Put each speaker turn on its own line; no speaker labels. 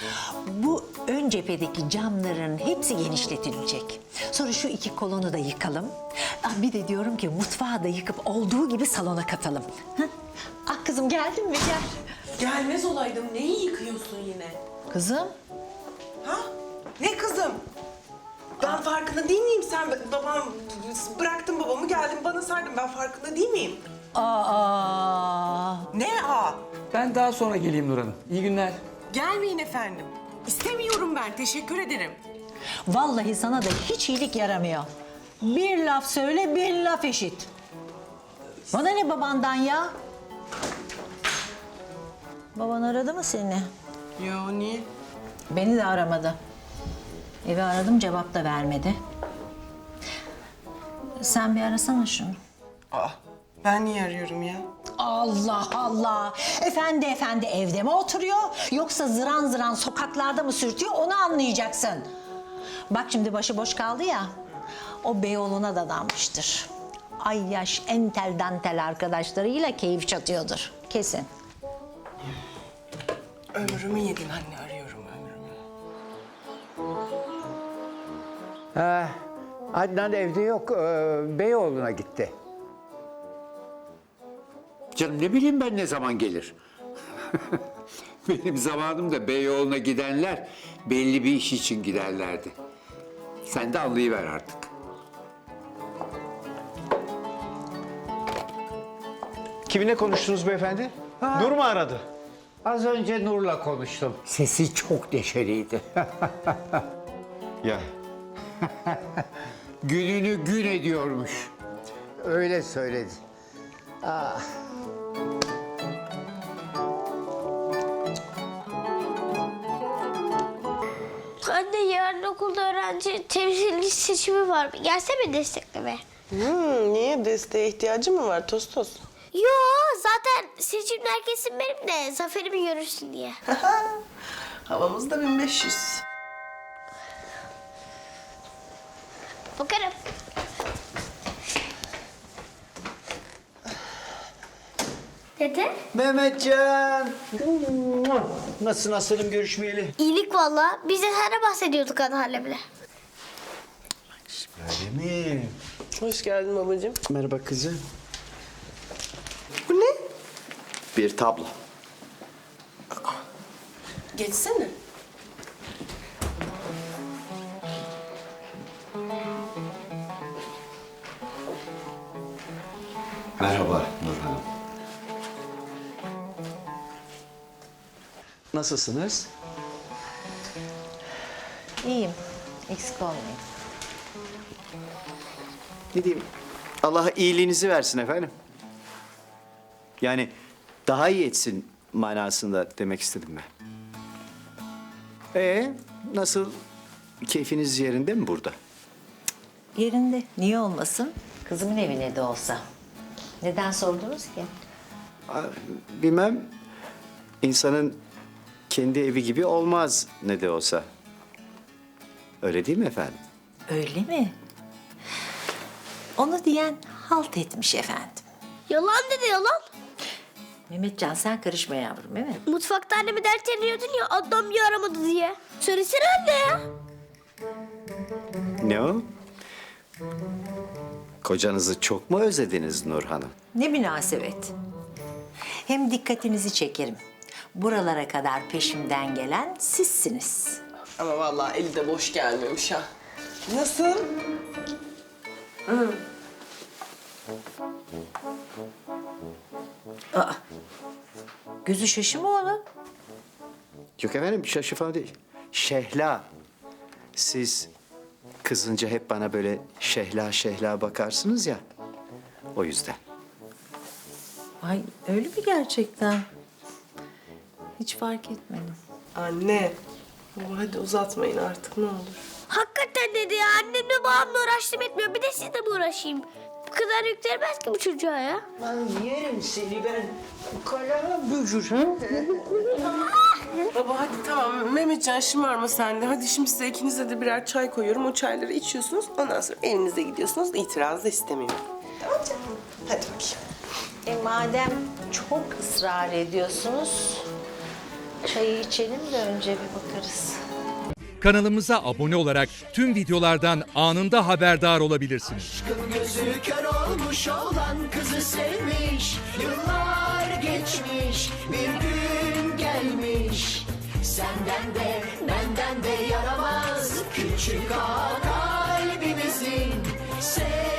Bu ön cephedeki camların hepsi genişletilecek. Sonra şu iki kolonu da yıkalım. Bir de diyorum ki mutfağı da yıkıp olduğu gibi salona katalım. Hı? Ah kızım geldin mi? Gel.
Gelmez olaydım. Neyi yıkıyorsun yine?
Kızım.
Ha? Ne kızım? Ben farkında değil miyim? Sen bıraktın babamı geldin bana sardın. Ben farkında değil miyim?
Aa.
Ne ha?
Ben daha sonra geleyim Nur Hanım. İyi günler.
Gelmeyin efendim. İstemiyorum ben. Teşekkür ederim.
Vallahi sana da hiç iyilik yaramıyor. Bir laf söyle, bir laf eşit. Bana ne babandan ya? Baban aradı mı seni?
Yo niye?
Beni de aramadı. Evi aradım, cevap da vermedi. Sen bir arasana şunu.
Aa, ben niye arıyorum ya?
Allah Allah! Efendi evde mi oturuyor? Yoksa zıran zıran sokaklarda mı sürtüyor? Onu anlayacaksın. Bak şimdi başıboş kaldı ya. O Beyoğlu'na dadanmıştır. Ay yaş entel dantel arkadaşlarıyla keyif çatıyordur. Kesin.
Ömrümü yedin anne, arıyorum ömrümü.
Adnan evde yok. Beyoğlu'na gitti. Canım ne bileyim ben ne zaman gelir. Benim zamanımda Beyoğlu'na gidenler belli bir iş için giderlerdi. Sen de anlayıver artık.
Kiminle konuştunuz beyefendi? Nur mu aradı?
Az önce Nur'la konuştum. Sesi çok neşeliydi.
Ya
Gününü gün ediyormuş. Öyle söyledi.
Anne yarın okulda öğrenci temsilci seçimi var. Gelsene desteklemeye.
Niye? Desteğe ihtiyacı mı var Tostos?
Yo zaten seçimler kesin benim de zaferimi görürsün diye.
Havamız da 1500.
Bakarım. Dede?
Mehmetcan. Nasılsın aslanım görüşmeyeli?
İyilik valla. Biz de sana bahsediyorduk anneannemle.
Öyle mi?
Hoş geldin babacığım.
Merhaba kızım.
Bu ne?
Bir tablo.
Geçsene.
Merhaba Nur Hanım. Nasılsınız?
İyiyim. Eksik olmayın.
Ne diyeyim? Allah iyiliğinizi versin efendim. Yani daha iyi etsin manasında demek istedim ben. Nasıl? Keyfiniz yerinde mi burada?
Yerinde. Niye olmasın? Kızımın evine de olsa. Neden sordunuz ki?
Bilmem. İnsanın kendi evi gibi olmaz ne de olsa. Öyle değil mi efendim?
Öyle mi? Onu diyen halt etmiş efendim.
Yalan dedi yalan.
Mehmetcan sen karışma yavrum değil mi?
Mutfakta annemi dert ediyordun ya Adnan bir aramadı diye. Söylesene anne ya.
Ne o? Kocanızı çok mu özlediniz Nur Hanım?
Ne münasebet. Hem dikkatinizi çekerim. Buralara kadar peşimden gelen sizsiniz.
Ama vallahi eli de boş gelmemiş ha. Nasıl?
Gözü şaşı mı onun?
Yok efendim şaşı falan değil. Şehla. Siz kızınca hep bana böyle şehla şehla bakarsınız ya. O yüzden.
Ay öyle mi gerçekten? Hiç fark etmedim.
Anne. Baba hadi uzatmayın artık ne olur.
Hakikaten dedi ya annemle babamla uğraştım etmiyor. Bir de sizle mi uğraşayım? Bu kadar yüklenmez ki bu çocuğa ya.
Ben yerim seni ben. Kala bücür ha?
Baba hadi tamam Mehmetcan şımarma sen de. Hadi şimdi size ikinize de birer çay koyuyorum. O çayları içiyorsunuz. Ondan sonra evinize gidiyorsunuz. İtiraz da istemiyorum. Tamam canım. Hadi bakayım.
Madem çok ısrar ediyorsunuz, Çayı içelim de önce bir bakarız.
Kanalımıza abone olarak tüm videolardan anında haberdar olabilirsiniz.
Gözü kör olmuş olan kızı sevmiş. Yıllar geçmiş, bir gün gelmiş. Senden de benden de yaramaz küçük ağa kalbimizin.